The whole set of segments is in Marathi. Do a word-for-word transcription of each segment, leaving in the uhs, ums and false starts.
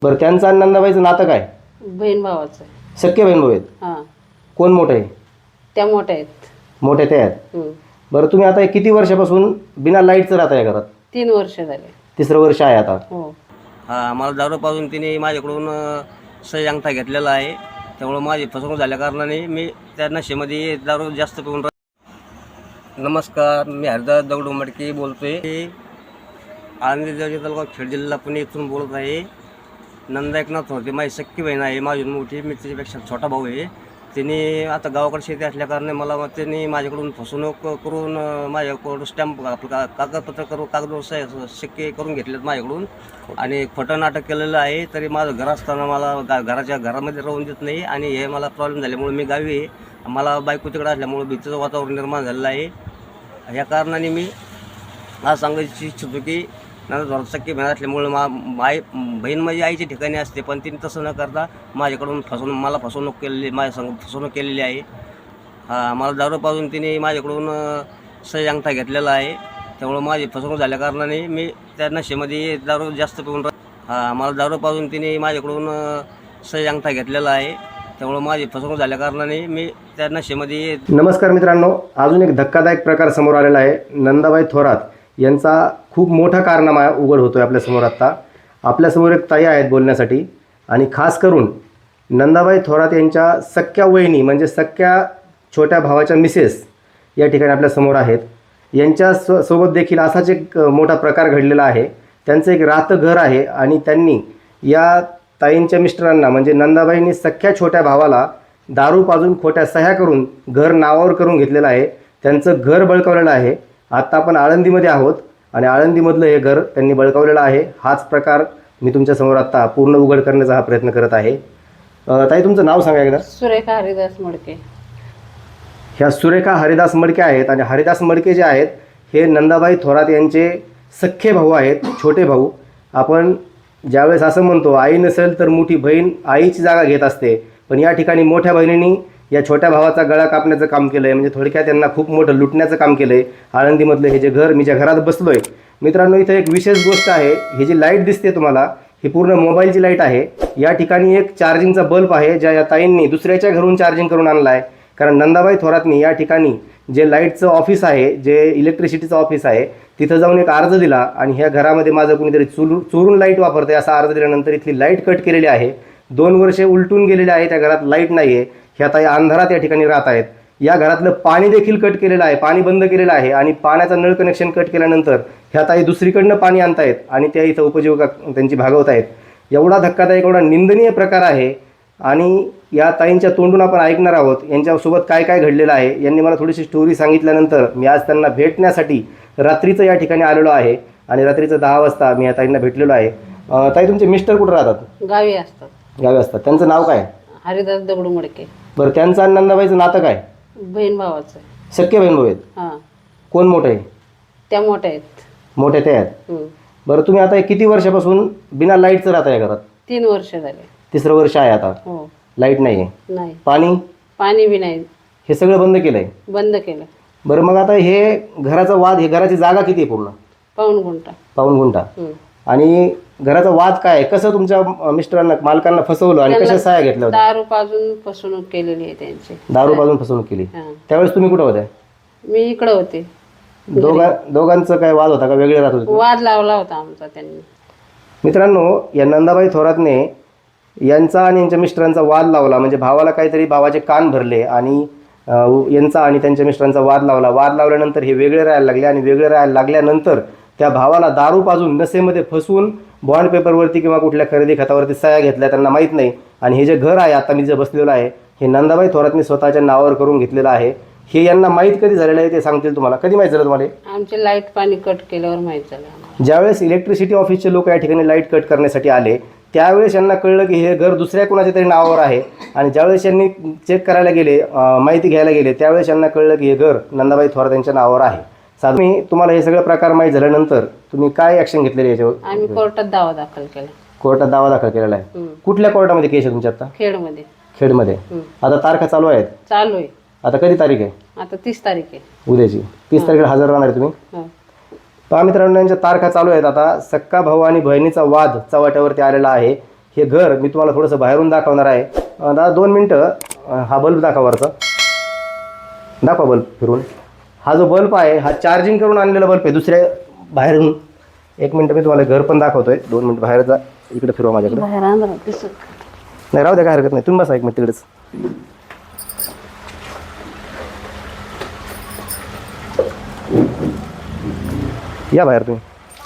बरं, त्यांचं आणि नंदाबाईचं नातं काय? बहीण भावाचं आहे. सख्खे बहीण भाऊ आहेत. हां, कोण मोठं आहे? त्या मोठ्या आहेत. मोठे ते आहेत. हं. बरं, तुम्ही आता किती वर्षापासून बिना लाईटचं राहता या घरात? तीन वर्ष झाले. तिसरं वर्ष आहे आता. हो. हा मला दारू पाजून तिने माझ्याकडून अ, सही अंगठा घेतलेला आहे. त्यामुळं माझी फसवणूक झाल्या कारणाने मी त्या नशेमध्ये दारू जास्त पिऊन राह- नमस्कार, मी हरिदास दगडू मडके बोलतोय. आळंदी जवळच्या तालुका खेड जिल्हा पुणे इथून बोलत आहे. नंदा एकनाथ होते, माझी सख्खी बहीण आहे, माझी मोठी, मी त्याच्यापेक्षा छोटा भाऊ आहे. तिने आता गावाकडे शेती असल्याकारणे मला मग त्यांनी माझ्याकडून फसवणूक करून अ, माझ्याकडून स्टॅम्प आपलं का कागदपत्र करून कागदवर सह्या शिक्के करून घेतलेत माझ्याकडून आणि खोटं नाटक केलेलं आहे. तरी माझं घर असताना मला गा घराच्या घरामध्ये राहून देत नाही आणि हे मला प्रॉब्लेम झाल्यामुळे मी गावी आहे. मला बायको तिकडे असल्यामुळे भीतीचं वातावरण निर्माण झालेलं आहे. या कारणाने मी आज सांगायची इच्छितो की माझं थोडं सख्खी बहीण असल्यामुळे मा माय बहीण माझी आईच्या ठिकाणी असते, पण तिने तसं न करता माझ्याकडून फसवणूक मला फसवणूक केलेली माझ्या संग फसवणूक केलेली आहे. हा मला दारू पाजून तिने माझ्याकडून अ, सही अंगठा घेतलेला आहे. त्यामुळं माझी फसवणूक झाल्या कारणाने मी त्या नशेमध्ये दारू जास्त पिऊन राह हा मला दारू पाजून तिने माझ्याकडून अ, सही अंगठा घेतलेला आहे. त्यामुळं माझी फसवणूक झाल्या कारणाने मी त्या नशेमध्ये. नमस्कार मित्रांनो, अजून एक धक्कादायक प्रकार समोर आलेला आहे. नंदाबाई थोरात यांचा खूप मोठा कारनामा उघड होतोय आपल्यासमोर. आत्ता आपल्यासमोर एक ताई आहेत बोलण्यासाठी, आणि खास करून नंदाबाई थोरात यांच्या सख्ख्या वहिनी म्हणजे सख्ख्या छोट्या भावाच्या मिसेस या ठिकाणी आपल्यासमोर आहेत. यांच्या स सोबत देखील असाच एक मोठा प्रकार घडलेला आहे. त्यांचं एक राहतं घर आहे आणि त्यांनी या ताईंच्या मिस्टरांना म्हणजे नंदाबाईंनी सख्ख्या छोट्या भावाला दारू पाजून खोट्या सह्या करून घर नावावर करून घेतलेलं आहे. त्यांचं घर बळकावलेलं आहे. आत्ता आपण आळंदीमध्ये आहोत आणि आळंदीमधलं हे घर त्यांनी बळकावलेलं आहे. हाच प्रकार मी तुमच्यासमोर आत्ता पूर्ण उघड करण्याचा हा प्रयत्न करत आहे. अ, ताई, तुमचं नाव सांगा एकदा. सुरेखा हरिदास मडके. ह्या सुरेखा हरिदास मडके आहेत आणि हरिदास मडके जे आहेत हे नंदाबाई थोरात यांचे सख्खे भाऊ आहेत, छोटे भाऊ. आपण ज्यावेळेस असं म्हणतो आई नसेल तर मोठी बहीण आईची जागा घेत असते, पण या ठिकाणी मोठ्या बहिणींनी या छोट्या भावाचा गळा कापण्याचं काम केलं आहे. म्हणजे थोडक्यात त्यांना खूप मोठं लुटण्याचं काम केलं आहे. आळंदीमधलं हे जे घर मी ज्या घरात बसलो आहे मित्रांनो, इथं एक विशेष गोष्ट आहे. ही जी लाईट दिसते तुम्हाला, ही पूर्ण मोबाईलची लाईट आहे. या ठिकाणी एक चार्जिंगचा बल्ब आहे, ज्या या ताईंनी दुसऱ्याच्या घरून चार्जिंग करून आणला आहे. कारण नंदाबाई थोरातनी या ठिकाणी जे लाईटचं ऑफिस आहे, जे इलेक्ट्रिसिटीचं ऑफिस आहे, तिथं जाऊन एक अर्ज दिला आणि ह्या घरामध्ये माझं कुणीतरी चुरू चोरून लाईट वापरते असा अर्ज दिल्यानंतर इथली लाईट कट केलेली आहे. दोन वर्षे उलटून गेलेले आहे, त्या घरात लाईट नाही आहे. ह्या ताई अंधारात या ठिकाणी राहत आहेत. या घरातलं पाणी देखील कट केलेलं आहे, पाणी बंद केलेलं आहे आणि पाण्याचं नळ कनेक्शन कट केल्यानंतर ह्या ताई दुसरीकडनं पाणी आणतायत आणि त्या इथं उपजीविका त्यांची भागवत आहेत. एवढा धक्कादायक, एवढा निंदनीय प्रकार आहे आणि या ताईंच्या तोंडून आपण ऐकणार आहोत यांच्यासोबत काय काय घडलेलं आहे. यांनी मला थोडीशी स्टोरी सांगितल्यानंतर मी आज त्यांना भेटण्यासाठी रात्रीचं या ठिकाणी आलेलो आहे आणि रात्रीचं दहा वाजता मी या ताईंना भेटलेलो आहे. अ, ताई, तुमचे मिस्टर कुठं राहतात? गावी असतात. गावी असतात. त्यांचं नाव काय? हरिदास दगडू मडके. बरं, त्यांचं आणि नंदाबाईचं नातं काय? बहीण भावाचं आहे. सख्खे बहीण भाऊ आहेत. हां, कोण मोठं आहे? त्या मोठ्या आहेत. मोठे ते आहेत. हं. बरं, तुम्ही आता किती वर्षापासून बिना लाईटचं राहता या घरात? तीन वर्ष झाले. तिसरं वर्ष आहे आता. हो. लाईट नाही आहे, नाही, पाणी, पाणी बी नाही, हे सगळं बंद केलं आहे. बंद केलं. बरं, मग आता हे घराचा वाद, हे घराची जागा किती आहे पूर्ण? पाऊण गुंठा. पाऊण गुंठा. हं. आणि घराचा वाद काय आहे? कसं तुमच्या अं, मिस्टरांना, मालकांना फसवलं आणि कशा सहाय्या घेतल्या होत्या? दारू पाजून फसवणूक केलेली आहे त्यांची. दारू पाजून फसवणूक केली. हां. त्यावेळेस तुम्ही कुठं होत्या? मी इकडं होते. दोघा दोघांचं काय वाद होता का वेगळे राहत होते? वाद लावला होता आमचा त्यांनी. मित्रांनो, या नंदाबाई थोरातने यांचा आणि यांच्या मिस्टरांचा वाद लावला. म्हणजे भावाला काहीतरी, भावाचे कान भरले आणि अ, यांचा आणि त्यांच्या मिस्टरांचा वाद लावला. वाद लावल्यानंतर हे वेगळे राहायला लागले आणि वेगळे राहायला लागल्यानंतर त्या भावाला दारू पाजून नशेमध्ये फसवून बॉन्ड पेपरवरती किंवा कुठल्या खरेदी खतावरती सह्या घेतल्या, त्यांना माहीत नाही. आणि हे जे घर आहे आता मी जे बसलेलं आहे, हे नंदाबाई थोरातने स्वतःच्या नावावर करून घेतलेलं आहे. हे यांना माहीत कधी झालेलं आहे ते सांगतील तुम्हाला. कधी माहीत झालं तुम्हाला? आमचे लाईट पाणी कट केल्यावर माहीत झालं आम्हाला. ज्यावेळेस इलेक्ट्रिसिटी ऑफिसचे लोक या ठिकाणी लाईट कट करण्यासाठी आले त्यावेळेस यांना कळलं की हे घर दुसऱ्या कोणाच्या तरी नावावर आहे. आणि ज्यावेळेस यांनी चेक करायला गेले, माहिती घ्यायला गेले, त्यावेळेस यांना कळलं की हे घर नंदाबाई थोरात यांच्या नावावर आहे. साधं मी तुम्हाला हे सगळं प्रकार माहीत झाल्यानंतर तुम्ही काय ॲक्शन घेतलेली याच्यावर? आम्ही कोर्टात दावा दाखल केला. कोर्टात दावा दाखल केलेला आहे. हं. कुठल्या कोर्टामध्ये केस आहे तुमच्या आता? खेडमध्ये. खेडमध्ये. हं. आता तारखा चालू आहेत? चालू आहे. आता कधी तारीख आहे? आता तीस तारीख आहे. उद्याची तीस तारखेला हजर राहणार आहे तुम्ही? हो. पहा मित्रांनो, यांच्या तारखा चालू आहेत. आता सक्का भाऊ आणि बहिणीचा वाद चव्हाट्यावरती आलेला आहे. हे घर मी तुम्हाला थोडंसं बाहेरून दाखवणार आहे. अं, दादा दोन मिनटं अं, हा बल्ब दाखवा वरचा, दाखवा बल्ब फिरून. हा जो बल्ब आहे हा चार्जिंग करून आणलेला बल्ब आहे दुसऱ्या बाहेरून. एक मिनटं मी तुम्हाला घर पण दाखवतोय. दोन मिनटं बाहेर जा, इकडे फिरवा माझ्याकडे. बाहेर अंधारात दिसत नाही राहू द्या, काय हरकत नाही. तुम्ही बसा एक मिनिट तिकडेच. या बाहेर तुम्ही.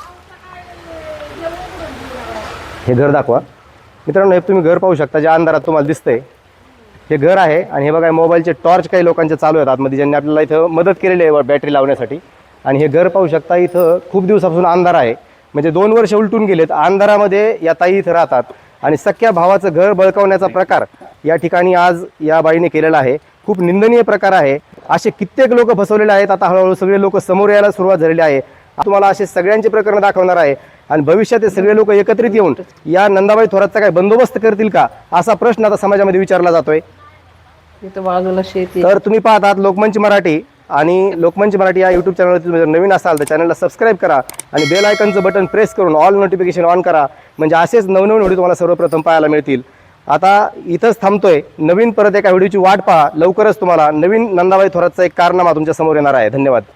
हे घर दाखवा मित्रांनो. हे तुम्ही घर पाहू शकता, ज्या अंधारात तुम्हाला दिसतंय हे घर आहे. आणि हे बघा मोबाईलचे टॉर्च काही लोकांचे चालू आहेत आतमध्ये, ज्यांनी आपल्याला इथं मदत केलेली आहे बॅटरी लावण्यासाठी. आणि हे घर पाहू शकता, इथं खूप दिवसापासून अंधार आहे, म्हणजे दोन वर्ष उलटून गेलेत. अंधारामध्ये या ताई इथं राहतात आणि सख्या भावाचं घर बळकावण्याचा प्रकार या ठिकाणी आज या बाईने केलेला आहे. खूप निंदनीय प्रकार आहे. असे कित्येक लोक फसवलेले आहेत. आता हळूहळू सगळे लोक समोर यायला सुरुवात झालेली आहे. तुम्हाला असे सगळ्यांचे प्रकरण दाखवणार आहे. आणि भविष्यात हे सगळे लोक एकत्रित येऊन या नंदाबाई थोरातचा काय बंदोबस्त करतील का, असा प्रश्न आता समाजामध्ये विचारला जातोय. इथं बाजूला शेती तर तुम्ही पाहतात लोकमंच मराठी, आणि लोकमंच मराठी या यूट्यूब चॅनलवरती तुम्ही जर नवीन असाल तर चॅनलला सबस्क्राईब करा आणि बेल आयकनचं बटन प्रेस करून ऑल नोटिफिकेशन ऑन करा, म्हणजे असेच नवनवीन व्हिडिओ तुम्हाला सर्वप्रथम पाहायला मिळतील. आता इथंच थांबतोय. नवीन परत एका व्हिडिओची वाट पहा. लवकरच तुम्हाला नवीन नंदाबाई थोरातचा एक कारनामा तुमच्या समोर येणार आहे. धन्यवाद.